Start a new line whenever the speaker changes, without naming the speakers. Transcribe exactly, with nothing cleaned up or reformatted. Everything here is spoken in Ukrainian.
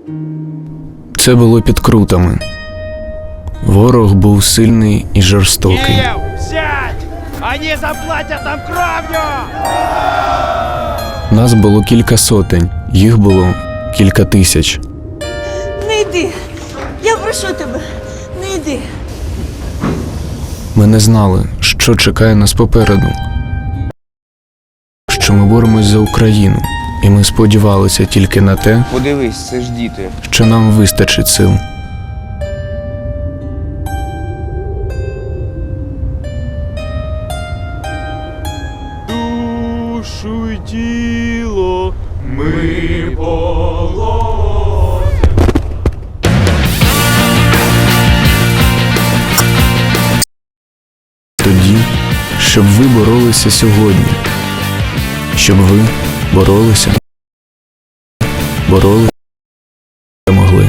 Це було під Крутами. Ворог був сильний і жорстокий.
Киев, сядь! Они заплатят нам кровью!
Нас було кілька сотень, їх було кілька тисяч.
Не йди. Я прошу тебе, не йди.
Ми не знали, що чекає нас попереду. Що ми боремось за Україну, і ми сподівалися тільки на те,
Подивись, це ж діти.
що нам вистачить сил.
Душу й тіло ми
Тоді, щоб ви боролися сьогодні. Щоб ви боролися, боролися, могли.